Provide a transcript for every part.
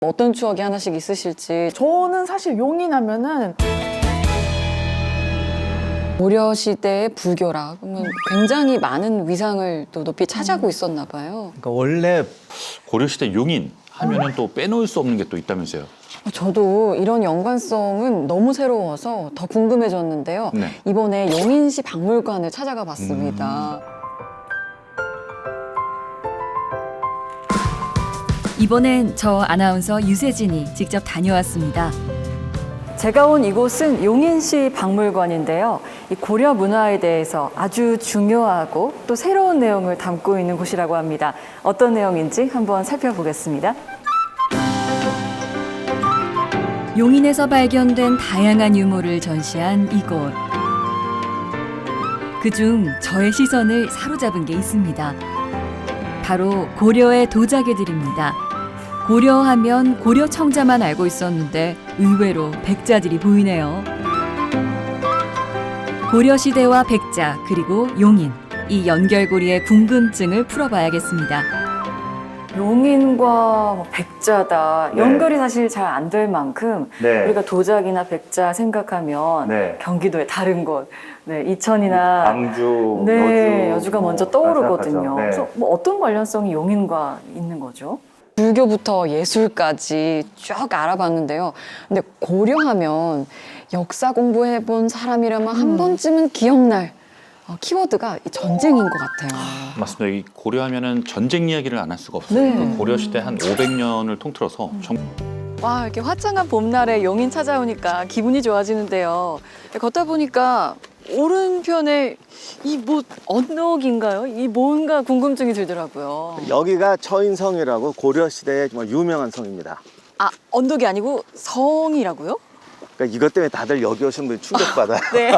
어떤 추억이 하나씩 있으실지. 저는 사실 용인하면은 고려 시대의 불교라 그러면 굉장히 많은 위상을 또 높이 차지하고 있었나 봐요. 그러니까 원래 고려시대 용인 하면은 또 빼놓을 수 없는 게 또 있다면서요. 저도 이런 연관성은 너무 새로워서 더 궁금해졌는데요. 네. 이번에 용인시 박물관을 찾아가 봤습니다. 이번엔 저 아나운서 유세진이 직접 다녀왔습니다. 제가 온 이곳은 용인시 박물관인데요. 이 고려 문화에 대해서 아주 중요하고 또 새로운 내용을 담고 있는 곳이라고 합니다. 어떤 내용인지 한번 살펴보겠습니다. 용인에서 발견된 다양한 유물을 전시한 이곳. 그중 저의 시선을 사로잡은 게 있습니다. 바로 고려의 도자기들입니다. 고려하면 고려 청자만 알고 있었는데 의외로 백자들이 보이네요. 고려시대와 백자 그리고 용인, 이 연결고리의 궁금증을 풀어봐야겠습니다. 용인과 백자다. 네. 연결이 사실 잘 안 될 만큼 네. 우리가 도자기나 백자 생각하면 네. 경기도의 다른 곳, 이천이나 광주, 여주가 먼저 떠오르거든요. 생각하죠. 네. 그래서 뭐 어떤 관련성이 용인과 있는 거죠? 불교부터 예술까지 쭉 알아봤는데요. 근데 고려하면 역사 공부해본 사람이라면 한 번쯤은 기억날 키워드가 이 전쟁인 것 같아요. 맞습니다. 이 고려하면은 전쟁 이야기를 안 할 수가 없어요. 네. 그 고려시대 한 500년을 통틀어서 와, 이렇게 화창한 봄날에 용인 찾아오니까 기분이 좋아지는데요. 걷다 보니까 오른편에 이 뭐 언덕인가요? 이 뭔가 궁금증이 들더라고요. 여기가 처인성이라고 고려시대의 정말 유명한 성입니다. 아, 언덕이 아니고 성이라고요? 그러니까 이것 때문에 다들 여기 오신 분이 충격받아요. 네.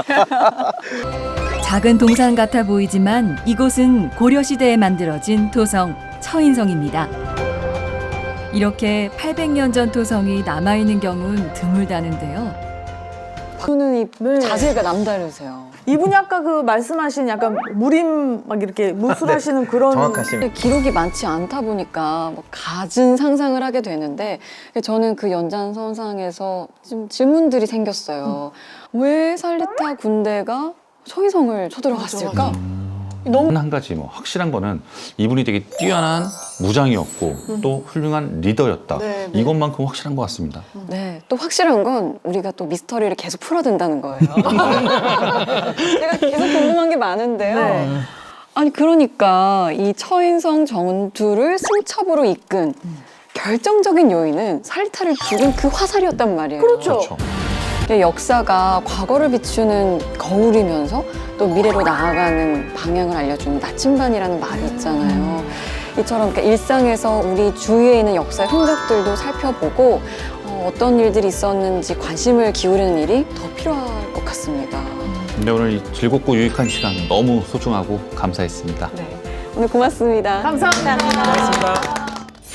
작은 동산 같아 보이지만 이곳은 고려시대에 만들어진 토성 처인성입니다. 이렇게 800년 전 토성이 남아있는 경우는 드물다는데요. 저는 이 네. 자세가 남다르세요. 이분이 아까 그 말씀하신 약간 무림 막 이렇게 무술하시는 그런 정확하십니다. 기록이 많지 않다 보니까 뭐 갖은 상상을 하게 되는데 저는 그 연장선상에서 좀 질문들이 생겼어요. 왜 살리타 군대가 처이성을 쳐들어갔을까? 너무 한 가지 뭐 확실한 거는 이분이 되게 뛰어난 무장이었고 또 훌륭한 리더였다. 네, 네. 이것만큼 확실한 것 같습니다. 네, 또 확실한 건 우리가 또 미스터리를 계속 풀어야 된다는 거예요. 제가 계속 궁금한 게 많은데요. 네. 아니 그러니까 이 처인성 전투를 승첩으로 이끈 결정적인 요인은 살리타를 죽인 그 화살이었단 말이에요. 그렇죠. 역사가 과거를 비추는 거울이면서 또 미래로 나아가는 방향을 알려주는 나침반이라는 말이 있잖아요. 이처럼 그러니까 일상에서 우리 주위에 있는 역사의 흔적들도 살펴보고 어떤 일들이 있었는지 관심을 기울이는 일이 더 필요할 것 같습니다. 근데 오늘 이 즐겁고 유익한 시간 너무 소중하고 감사했습니다. 네, 오늘 고맙습니다. 감사합니다. 고맙습니다.